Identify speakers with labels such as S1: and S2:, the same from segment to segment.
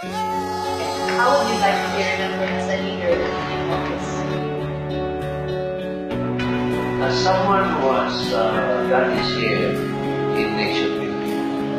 S1: How would you like to be remembered as a leader in office?
S2: As someone who has done his share in nation building.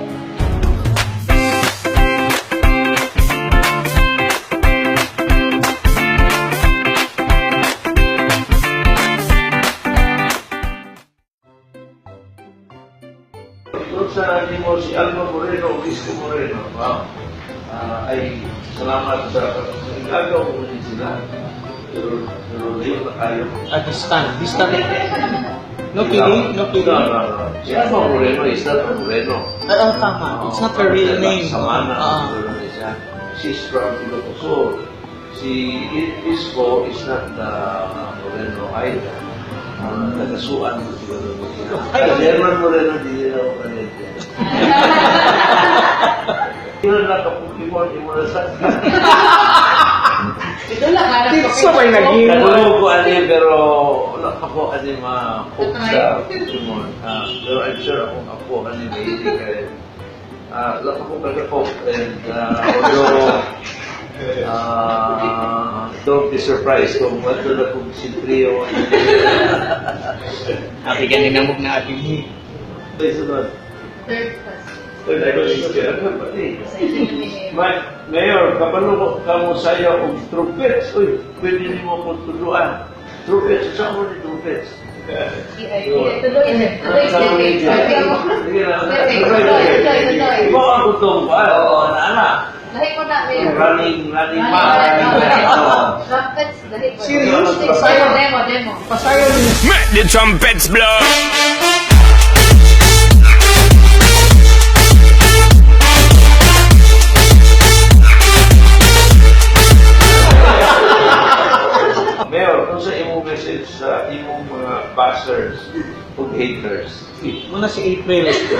S2: Doon sa mo si Alma Moreno, Visco Moreno, ay salamat sa igagaw ko rin sila. Pero ngayon na tayo.
S3: At distant. No kidding? No kidding?
S2: No. Si Alma Moreno is not a Moreno.
S3: Tama. It's not her real name.
S2: Samana. She's from Ilocos. Si Isco is not Moreno either. Nagasuan ko siguro. German Moreno, di nila ako kanil. Yun lang kapag-Pokemon, imunasan ka.
S1: Ito lang, harap ko.
S3: Dito may naging...
S2: Katulog ko ano pero wala ako ano ma-hook sa Pokemon. Pero I'm sure ako ano may hindi kayo. Wala ako kagakop. And although don't be surprised kung wato na kung sintriyo.
S3: Aki ka ninamog na ating hi.
S2: Sunod.
S1: Third class.
S2: Mayor, kapano ka mo saya og trumpets? Uy, pwede niyo mo kong tuluan. Trumpets, saan mo ni trumpets?
S1: Tuloy.
S2: Iba ang kutong pa. Anak.
S1: Lahi ko na, Mayor.
S2: Running pa.
S1: Trumpets, lahi ko.
S3: Serious?
S1: Demo.
S3: Pasayo niyo.
S4: Make the trumpets blow.
S2: Mayor, kung sa imong message sa imong mga bashers o haters,
S3: Muna si April.
S1: Ako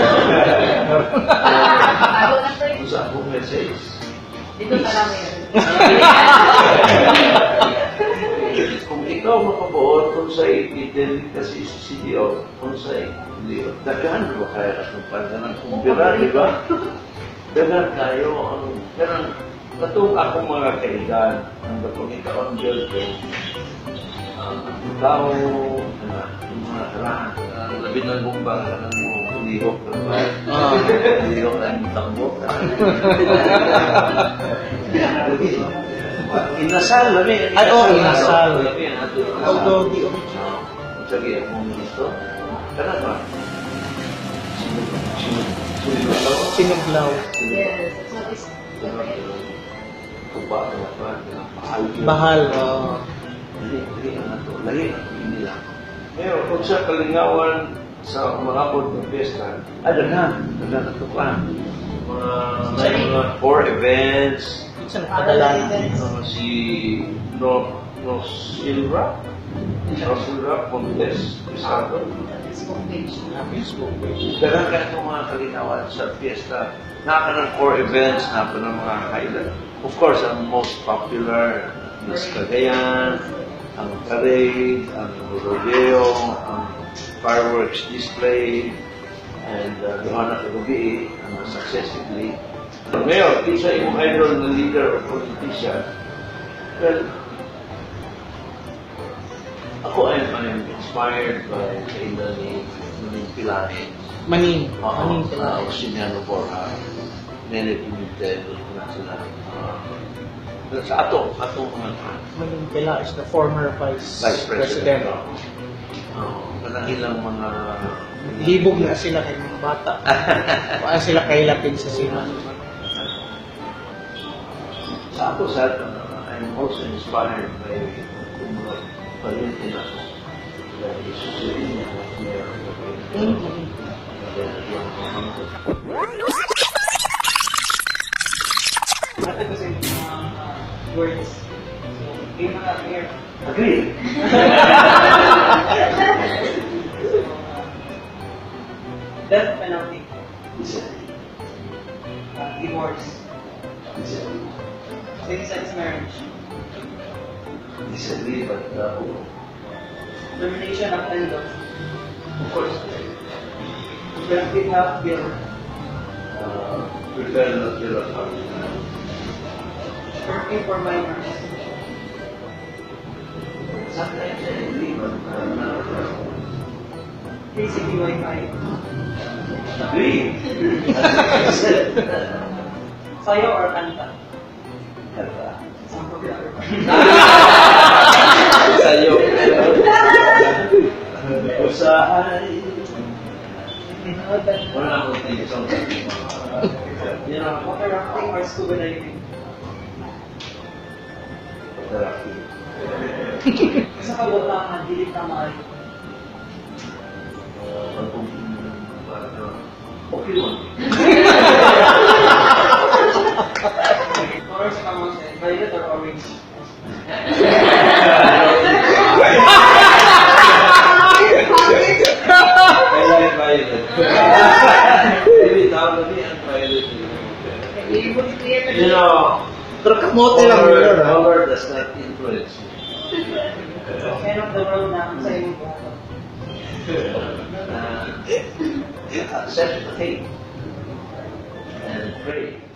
S1: na to.
S2: kung sa akong message,
S1: Dito na lang, Mayor.
S2: kung ikaw makabuot, kung sa i-delete kasi si CDO, kung sa i-delete, daghan ba kaya akong pangalan kung bira, di ba? Daghan kayo, kanang katong akong mga kaigan, ang kapag ikaw ang girlfriend, ikaw, yung mga karaan, labi ng bumbang, kanang mo, lihok na ba? Lihok na yung tambo. Inasal, labi.
S3: Ay, oo, inasal.
S2: Labi,
S3: Although the original.
S2: Sige, akong gusto. Kana ba?
S3: Sinuglaw.
S1: Yes, that's what is.
S2: Kuba,
S3: Bahal.
S2: Lagi, hindi lang. Ngayon, kung sa kalingawan sa mga pod ng pesta, daghan ito pa. Mga 4 events,
S3: Minsan nakadalan.
S2: si Nosilra Montes, Crisanto.
S1: Facebook page.
S3: Facebook.
S2: Daghan ka itong mga kalingawan sa piyesta. Naka ng 4 events, naka ng mga highlight. Of course, ang most popular is Cagayan, ang parade, ang rodeo, ang fireworks display, and doon na kagabi, successively. Ngayon, isa yung idol na leader or politician. Well, ako I'm inspired by Kayla ni Pilani.
S3: Maning.
S2: Maning
S3: pala.
S2: Oxiniano Borja. Nene Pimentel, na sila. Sa atong mga
S3: Maning pala is the former vice
S2: president.
S3: president.
S2: Ilang mga
S3: Libog na sila kay mga bata. Kaya sila kay lapin sa sila.
S2: Sa ako sa I'm also inspired by yung mga palinti na isusurin niya na
S3: Ate kasi mga words. So, hindi mga clear.
S2: Agree.
S3: Death penalty.
S2: Disagree.
S3: Divorce.
S2: Disagree.
S3: Same-sex marriage.
S2: Disagree, but
S3: Termination of tendon.
S2: of course,
S3: Collective health bill.
S2: prefer not to
S3: working for minors.
S2: Sometimes I agree, but
S3: Basically, Wi-Fi.
S2: agree. As I said,
S3: Sayo or kanta?
S2: kata.
S3: Isang programmer.
S2: Sa'yo. Usahay. Wala akong tingin sa you know,
S3: Water rafting or scuba diving?
S2: therapy.
S3: Sa kabotahan, hilig na maaari.
S2: Okay lang.
S3: Colors ka mo siya, violet or orange?
S2: I like violet. Maybe tawag ni ang violet. You know,
S1: Pero kamote lang yun, ha?
S2: color does not influence me.
S3: End of the world na sa iyong buhay.
S2: Accept the fate and pray.